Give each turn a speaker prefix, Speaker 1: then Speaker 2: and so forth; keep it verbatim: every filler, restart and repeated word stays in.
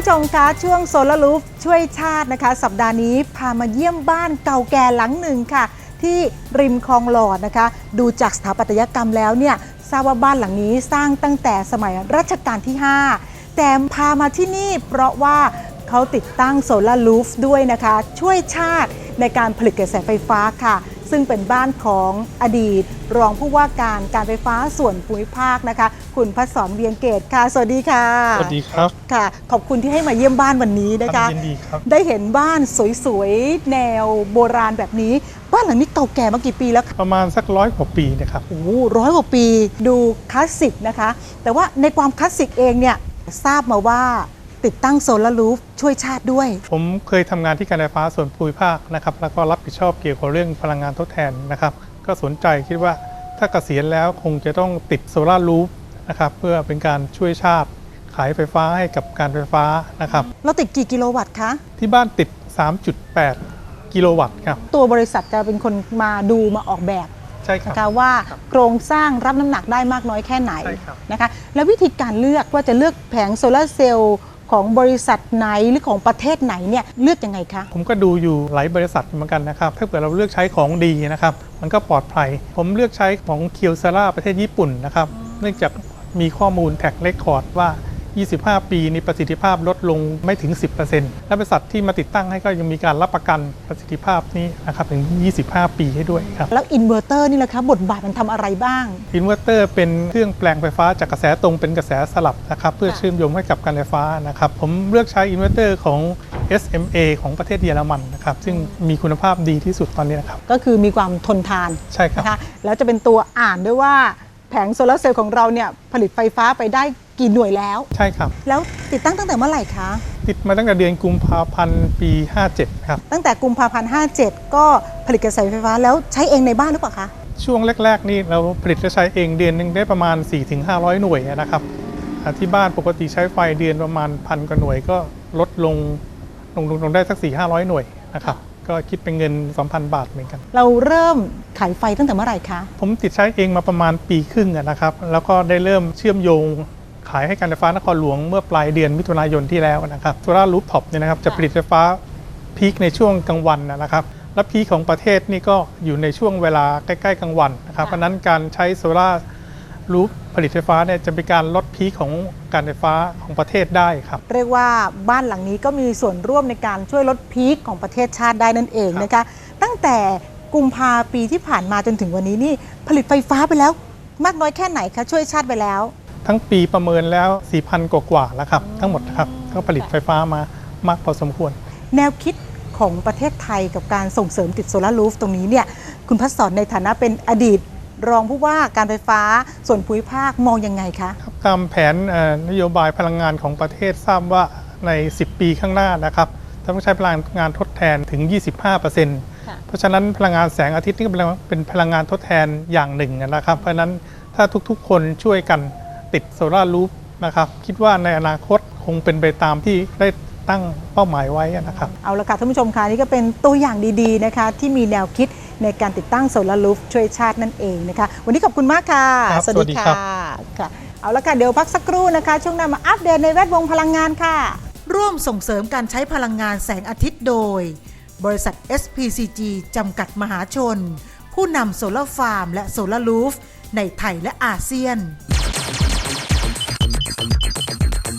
Speaker 1: ผู้ชมคะช่วงโซลารูฟช่วยชาตินะคะสัปดาห์นี้พามาเยี่ยมบ้านเก่าแก่หลังหนึ่งค่ะที่ริมคลองหลอดนะคะดูจากสถาปัตยกรรมแล้วเนี่ยทราบว่าบ้านหลังนี้สร้างตั้งแต่สมัยรัชกาลที่ห้าแต่พามาที่นี่เพราะว่าเขาติดตั้งโซลารูฟด้วยนะคะช่วยชาติในการผลิตกระแสไฟฟ้าค่ะซึ่งเป็นบ้านของอดีตรองผู้ว่าการการไฟฟ้าส่วนภูมิภาคนะคะคุณพัฒสรเวียงเกตค่ะสวัสดีค่ะ
Speaker 2: สวัสดีครับ
Speaker 1: ค่ะขอบคุณที่ให้มาเยี่ยมบ้านวันนี้นะคะ
Speaker 2: ยินดีครับ
Speaker 1: ได้เห็นบ้านสวยๆแนวโบราณแบบนี้บ้านหลังนี้เก่าแก่มากี่ปีแล้วคะ
Speaker 2: ประมาณสักร้อยกว่าปีนะครับ
Speaker 1: โอ้ร้อยกว่าปีดูคลาสสิกนะคะแต่ว่าในความคลาสสิกเองเนี่ยทราบมาว่าติดตั้งโซลารูฟช่วยชาติด้วย
Speaker 2: ผมเคยทำงานที่การไฟฟ้าส่วนภูมิภาคนะครับแล้วก็รับผิดชอบเกี่ยวกับเรื่องพลังงานทดแทนนะครับก็สนใจคิดว่าถ้าเกษียณแล้วคงจะต้องติดโซลารูฟนะครับเพื่อเป็นการช่วยชาติขายไฟฟ้าให้กับการไฟฟ้านะครับ
Speaker 1: เราติดกี่กิโลวัตต์คะ
Speaker 2: ที่บ้านติด สามจุดแปด กิโลวัตต์ครับ
Speaker 1: ตัวบริษัทจะเป็นคนมาดูมาออกแบบ
Speaker 2: ใช่ครับ
Speaker 1: นะคะว่าโครงสร้างรับน้ำหนักได้มากน้อยแค่ไหนนะคะแล้ววิธีการเลือกว่าจะเลือกแผงโซลาร์เซลล์ของบริษัทไหนหรือของประเทศไหนเนี่ยเลือกยังไงคะ
Speaker 2: ผมก็ดูอยู่หลายบริษัทเหมือนกันนะครับถ้าเกิดเราเลือกใช้ของดีนะครับมันก็ปลอดภัยผมเลือกใช้ของเคียวซาร่าประเทศญี่ปุ่นนะครับเนื่องจากมีข้อมูลแท็กเรคคอร์ดว่ายี่สิบห้า ปีนี้ประสิทธิภาพลดลงไม่ถึง สิบเปอร์เซ็นต์ และบริษัทที่มาติดตั้งให้ก็ยังมีการรับประกันประสิทธิภาพนี้นะครับถึงยี่สิบห้า ปีให้ด้วยครับ
Speaker 1: แล้วอินเวอร์เตอร์นี่แหละคะบทบาทมันทำอะไรบ้าง
Speaker 2: อินเวอร์เตอร์เป็นเครื่องแปลงไฟฟ้าจากกระแสตรงเป็นกระแสสลับนะครับเพื่อเชื่อมโยงให้กับการไฟฟ้านะครับผมเลือกใช้อินเวอร์เตอร์ของ เอส เอ็ม เอ ของประเทศเยอรมันนะครับซึ่งมีคุณภาพดีที่สุดตอนนี้นะครับ
Speaker 1: ก็คือมีความทนทาน
Speaker 2: ใช่ครับ
Speaker 1: นะคะแล้วจะเป็นตัวอ่านด้วยว่าแผงโซลาร์เซลล์ของเราเนี่ยผลิตไฟฟ้าไปได้กี่หน่วยแล้ว
Speaker 2: ใช่ครับ
Speaker 1: แล้วติดตั้งตั้งแต่เมื่อไหร่คะ
Speaker 2: ติดมาตั้งแต่เดือนกุมภาพันธ์ปีห้าเจ็ดครับ
Speaker 1: ตั้งแต่กุมภาพันธ์ห้าเจ็ดก็ผลิตกระแสไฟฟ้าแล้วใช้เองในบ้านหรือเปล่าคะ
Speaker 2: ช่วงแรกๆนี่เราผลิตและใช้เองเดือนนึงได้ประมาณ สี่ถึงห้าร้อย หน่วยนะครับที่บ้านปกติใช้ไฟเดือนประมาณพันกว่าหน่วยก็ลดลงลงลงได้สัก สี่ถึงห้าร้อย หน่วยนะครับก็คิดเป็นเงิน สองพัน บาทเหมือนกัน
Speaker 1: เราเริ่มขายไฟตั้งแต่เมื่อไหร่คะ
Speaker 2: ผมติดใช้เองมาประมาณปีครึ่งนะครับแล้วก็ได้เริ่มเชื่อมโยงขายให้การไฟฟ้านครหลวงเมื่อปลายเดือนมิถุนายนที่แล้วนะครับโซลาร์รูฟท็อปเนี่ยนะครับจะผลิตไฟฟ้าพีคในช่วงกลางวันนะครับและพีคของประเทศนี่ก็อยู่ในช่วงเวลาใกล้ๆกลางวันนะครับเพราะนั้นการใช้โซลาร์รูฟผลิตไฟฟ้าเนี่ยจะเป็นการลดพีคของการไฟฟ้าของประเทศได้ครับ
Speaker 1: เรียกว่าบ้านหลังนี้ก็มีส่วนร่วมในการช่วยลดพีคของประเทศชาติได้นั่นเองนะคะตั้งแต่กุมภาปีที่ผ่านมาจนถึงวันนี้นี่ผลิตไฟฟ้าไปแล้วมากน้อยแค่ไหนคะช่วยชาติไปแล้ว
Speaker 2: ทั้งปีประเมินแล้ว สี่พัน กว่าๆแล้วครับทั้งหมดครับก็ผลิตไฟฟ้ามามากพอสมควร
Speaker 1: แนวคิดของประเทศไทยกับการส่งเสริมติดโซลาร์รูฟตรงนี้เนี่ยคุณพัฒสรในฐานะเป็นอดีตรองผู้ว่าการไฟฟ้าส่วนภูมิภาคมองยังไงคะ
Speaker 2: ครับตามแผนนโยบายพลังงานของประเทศทราบว่าในสิบปีข้างหน้านะครับต้องใช้พลังงานทดแทนถึง ยี่สิบห้าเปอร์เซ็นต์ เพราะฉะนั้นพลังงานแสงอาทิตย์นี่เป็นพลังงานทดแทนอย่างหนึ่งนะครับเพราะฉะนั้นถ้าทุกๆคนช่วยกันติดโซลาร์รูฟนะครับคิดว่าในอนาคตคงเป็นไปตามที่ได้ตั้งเป้าหมายไว้นะครับ
Speaker 1: เอาละค่ะท่านผู้ชมค่ะนี่ก็เป็นตัวอย่างดีๆนะคะที่มีแนวคิดในการติดตั้งโซลาร์รูฟช่วยชาตินั่นเองนะคะวันนี้ขอบคุณมากค่ะ
Speaker 2: สวัสดีค่ะ
Speaker 1: ค่ะเอาละค่ะเดี๋ยวพักสักครู่นะคะช่วงหน้ามาอัปเดตในแวดวงพลังงานค่ะร่วมส่งเสริมการใช้พลังงานแสงอาทิตย์โดยบริษัท เอส พี ซี จี จำกัดมหาชนผู้นำโซลาร์ฟาร์มและโซลาร์รูฟในไทยและอาเซียน